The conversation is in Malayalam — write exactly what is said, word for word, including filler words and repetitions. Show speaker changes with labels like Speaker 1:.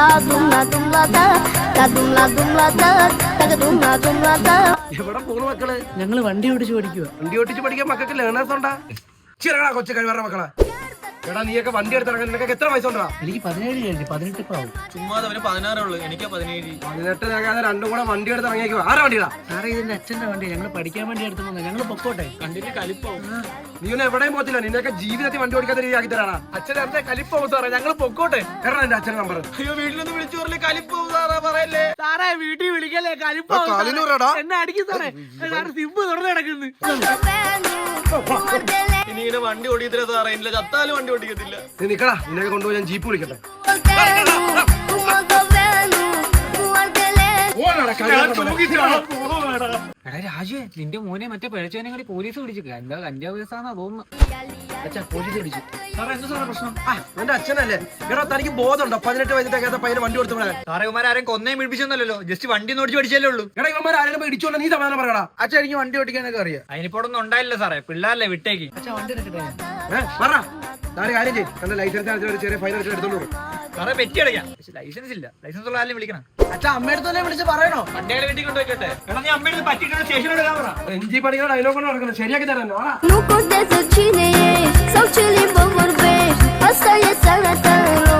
Speaker 1: എവിടെ പോകുന്നു മക്കള്?
Speaker 2: ഞങ്ങള് വണ്ടി ഓടിച്ച് പഠിക്കുക.
Speaker 1: വണ്ടി ഓടിച്ച് പഠിക്കാൻ മക്കൾക്ക് ലേണേഴ്സ് ഉണ്ടാ? ചിറകടാ കൊച്ചു കഴിവറ മക്കളെ. എടാ നീയൊക്കെ വണ്ടി എടുത്തിറങ്ങാൻ നിനക്ക് എത്ര വയസ്സുണ്ടാ?
Speaker 2: എനിക്ക് പതിനേഴ് കഴിഞ്ഞു, പതിനെട്ട് ഇപ്പൊ ആവും.
Speaker 3: ചുമ്മാ അവന് പതിനാറുള്ളൂ, എനിക്ക് പതിനേഴ്.
Speaker 1: പതിനെട്ട് രണ്ടാതെ രണ്ടും കൂടെ വണ്ടി എടുത്ത് ഇറങ്ങിയേക്കോ. ആരാ വണ്ടിയിടാ?
Speaker 2: സാറേ ഇതിന്റെ അച്ഛന്റെ വണ്ടി, ഞങ്ങള് പഠിക്കാൻ വേണ്ടി എടുത്തു പോകുന്നത്. ഞങ്ങള് പൊക്കോട്ടെ.
Speaker 3: കണ്ടിട്ട് കലിപ്പാവും.
Speaker 1: നീ ഒന്നും എവിടെയും പോകത്തില്ല. നിന്നൊക്കെ ജീവിതത്തിൽ വണ്ടി ഓടിക്കാത്ത രീതി ആക്കി തരാടാ.
Speaker 3: അച്ഛൻ എന്റെ കലിപ്പാവും സാറേ, ഞങ്ങള് പൊക്കോട്ടെ.
Speaker 1: എടാ എന്റെ അച്ഛൻ നമ്പർ.
Speaker 3: അയ്യോ വീട്ടിലൊന്ന് വിളിച്ചു പറഞ്ഞേ, കലിപ്പാവും സാറാ പറയല്ലേ.
Speaker 2: സാറേ വീട്ടിൽ വിളിക്കല്ലേ, കലിപ്പാവും. എന്നെ അടിക്കും സാറേ. സിമ്പ് തുറന്നു കിടക്കുന്നു.
Speaker 3: ഇനി ഇങ്ങനെ വണ്ടി ഓടിക്കത്തില്ല സാറേ, ഇല്ല ചത്താലും വണ്ടി ഓടിക്കത്തില്ല.
Speaker 1: നീ നിക്കടാ, നിന്നെ കൊണ്ടുപോയി ഞാൻ ജീപ്പ് വിളിക്കട്ടെ.
Speaker 4: എടാ രാജു, നിന്റെ മോനെ മറ്റേ പിഴച്ചവനെ കൂടി പോലീസ് പിടിച്ചു. എന്താ കഞ്ചാവ് കേസാന്നാ തോന്നുന്നു.
Speaker 2: അച്ഛാ പോലീസ് പിടിച്ചു.
Speaker 3: സാറേ എന്താ സാറേ പ്രശ്നം?
Speaker 1: ആ എന്റെ അച്ഛനല്ലേ. എടാ തനിക്ക് ബോധമുണ്ടോ? പതിനെട്ട് വയസ്സിന്റെ പയ്യന് വണ്ടി കൊടുത്തു വിടാൻ.
Speaker 3: സാറേ ഇവന്മാർ ആരെയും കൊന്നേം പിടിപ്പിച്ചൊന്നല്ലോ, ജസ്റ്റ് വണ്ടി ഓടിച്ച് പഠിച്ചല്ലേ ഉള്ളൂ.
Speaker 1: എടാ ഇവന്മാർ ആരെങ്കിലും ഇടിച്ചോണ്ട് നീ സമാധാനം പറയടാ.
Speaker 2: അച്ഛാ എനിക്ക് വണ്ടി ഓടിക്കാനൊക്കെ അറിയാം.
Speaker 3: അതിനിപ്പോ ഒന്നും ഉണ്ടായില്ല സാറേ, പിള്ളേരല്ലേ വിട്ടേക്ക്.
Speaker 2: അച്ഛാ വണ്ടി എടുക്കട്ടെ.
Speaker 1: ഏഹ് പറ. ഞാനൊരു കാര്യം ചെയ്യും, എന്റെ ലൈസൻസ് ഒരു ചെറിയ ഫൈൻ അടിച്ച് എടുത്തോളൂ.
Speaker 3: സാറേ പെറ്റി അടയ്ക്കാം, പക്ഷെ ലൈസൻസ് ഇല്ല. ലൈസൻസ് ഉള്ള ആരെയും വിളിക്കണം.
Speaker 2: അച്ഛാ അമ്മയുടെ തന്നെ വിളിച്ച് പറയണോ?
Speaker 3: വണ്ടികളെ വീട്ടിൽ കൊണ്ടുപോയിക്കട്ടെ. എടാ നീ അമ്മയുടെ പറ്റിയിട്ട് സ്റ്റേഷനോട് പറ.
Speaker 1: എൻജി പണിയുടെ ഡയലോഗ് കൊണ്ട് നടക്കുന്നത് ശരിയാക്കി തരാൻ.
Speaker 5: Nu contează cine e sau ce limbă vorbești, asta e sănătate.